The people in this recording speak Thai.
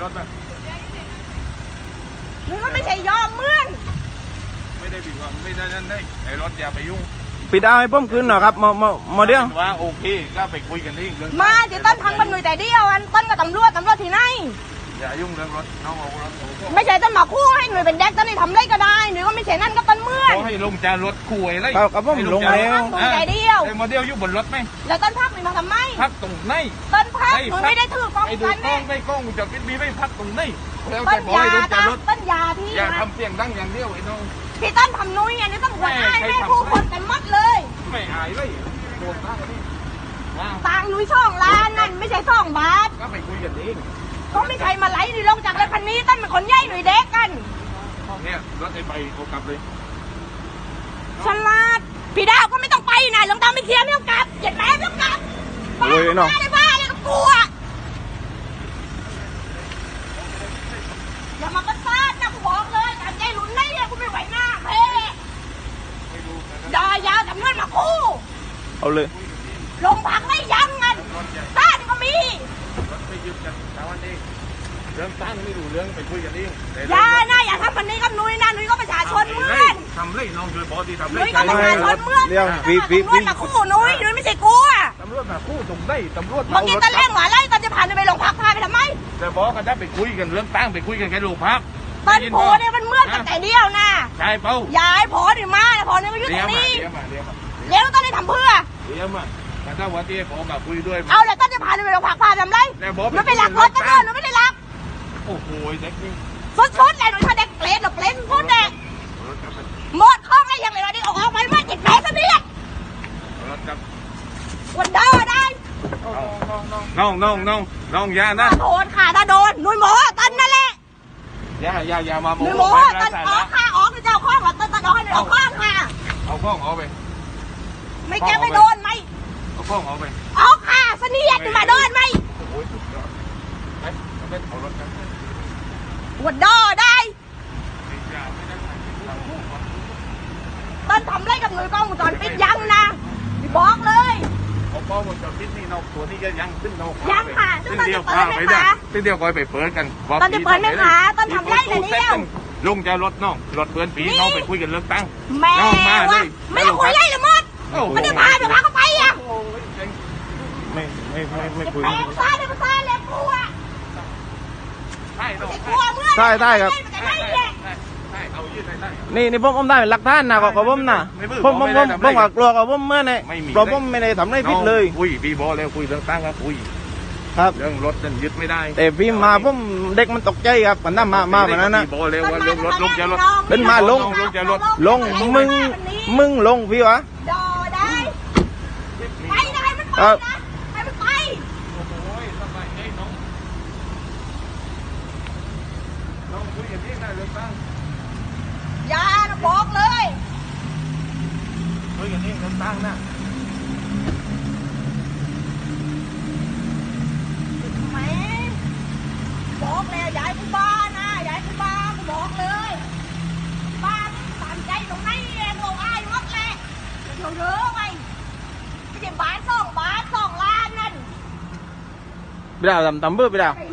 ถนะหรือว่าไม่ใช่ยอมเมื่อนไม่ได้ผิดว่าไม่ได้นั่นได้ไอ้รถอย่าไปยุ่งปิดเอาให้เพิ่มขึ้นหน่อยครับมาเดียวว่าโอเคก็ไปคุยกันเองเรื่องมาจะต้นทางมันหน่วยแต่เดียวอันต้นกับตำรวจที่ไหนอย่ายุ่งเรื่องรถน้องเอารถไม่ใช่ต้นหมาคู่ให้หน่วยเป็นแดกต้นนี่ทำไรก็ได้หรือว่าไม่ใช่นั่นก็ต้นเมื่อนเขาให้ลงจากรถคุยอะไรครับผมลงแล้วหน่วยแต่เดียวไอ้โมเดลอยู่บนรถไหมแล้วต้นพักมีมาทำไมพักตรงไหนต้นพักหนูไม่ได้ถือกล้องกันเนี่ยไม่กล้องจะคิดมีไม่พักตรงไหนแล้วจะบอกให้ลงจากรถต้นยาที่อย่าทำเสียงดังอย่างเดียวไอ้น้องพี่ต้นทำนุ้ยไงนี่ต้องหัวหน้าแม่ผู้คนกันมัดเลยไม่อายเลยโดนตั้งนี่ตังนุ้ย2 ล้านนั่นไม่ใช่2 บาทก็ไปคุยกันเองก็ไม่ใช่มาไล่นี่ลงจากรถคันนี้ต้นเป็นคนใหญ่หน่วยเด็กกันเนี่ยรถไอ้ใบโอกลับเลยฉลาดพี่ดาวก็ไม่ต้องไปนะลงตามไม่เคลียร์ไม่ต้องกลับเหยียดแม่ไม่ต้องกลับโอ้ยน้องบ้าเลยกับกูอ่ะอย่ามาประสาทนะกูบอกเลยการใจหลุนได้เนี่ยกูไม่ไหวหน้าเพ่ดอยาวจำนวนมาคู่เอาเลยลงพักไม่ยั้งกันต้านก็มีรถไปยึดกันแต่วันนี้เรื่องตั้งไม่รู้เรื่องไปคุยกันเองอย่านะอย่าทำมันนี้กับนุ้ยนะนุ้ยก็ประชาชนเมื่อนทำเลยน้องโดยบอดีทำเลยนุ้ยก็ประชาชนเมื่อนเรื่องตำรวจมาคู่นุ้ยไม่ใช่กูอ่ะตำรวจมาคู่ตรงได้ตำรวจเมื่อกี้ตะเล่งหวานไล่ตอนจะผ่านไปโรงพักพาไปทำไมแต่บอกกันได้ไปคุยกันเรื่องตั้งไปคุยกันแค่โรงพักตอนโผล่เนี่ยมันเมื่อนกันแต่เดียวนะใช่เปล่าย้ายโผล่ดิมาโผล่เนี่ยมาอยู่ตรงนี้เลี้ยวตอนนี้ทำเพื่อเลี้ยวมาแต่ถ้าวันที่ผมมาคุยด้วยเอาแล้วตอนจะผ่านไปโรงพักพาทำไรมันไปหลักรถกันเลยมันไม่ได้หลักโอ้โหเด็กนี่สุดๆเลยหนูทำเด็กเปลนหรอเปลนพูดเด็กหมดข้องอะไรอย่างไรเราดิออกไปไม่ติดแผลซะเนี่ยวันเดอร์ได้น้องยานะโดนค่ะถ้าโดนนุ้ยหมอตันนั่นแหละอย่ามาโมนุ้ยหมอตันออกค่ะออกเจ้าข้องหรอตันออกให้เอาข้องค่ะเอาข้องเอาไปไม่แกไม่โดนไหมเอาข้องเอาไปออกค่ะเสนียดมาโดนไหมโอ้ยสุดยอดไปเอารถกันวันเดอร์ได้ต้นทำไรกับหน่วยกล้องวงจรปิดยังนะบอกเลยเอากล้องวงจรปิดนี่นอกตัวนี้ก็ยังขึ้นนอกยังค่ะต้นเดียวพาไปได้ต้นเดียวก็ไปเปิดกันต้นจะเปิดไหมคะต้นทำไรเลยเนี่ยลุงจะรถน้องรถเปิดปีน้องไปคุยกันเรื่องตั้งแม่ว่าไม่ต้องคุยใหญ่เลยมดมันจะพาเดี๋ยวพาเขาไปอ่ะไม่คุยแปลงซ้ายเลยซ้ายเลยกลัวได้ครับนี่ผมได้หลักฐานนะของผมนะผมว่ากลัวกับผมเมื่อไงเพราะผมไม่ได้ทำอะไรผิดเลยคุยพี่บอแล้วคุยเรื่องตั้งครับคุยครับเรื่องรถนั่นยึดไม่ได้แต่พี่มาผมเด็กมันตกใจครับมันน่ามาแบบนั้นนะพี่บอแล้วว่าเรื่องรถลงจะรถเป็นมาลงมึงลงพี่วะดอได้ไปได้มันไปนะให้มันไปอย่านะบอกเลยคุยกันเองเรื่องตั้งนะแม่บอกแล้วยายกูบ้านะยายกูบ้ากูบอกเลยบ้านตามใจตรงไหนเองเราอายวัดแหละเดี๋ยวเด้อไปไม่ใช่บ้าน2 ล้านนั่นพี่ดาวทำเบื่อพี่ดาว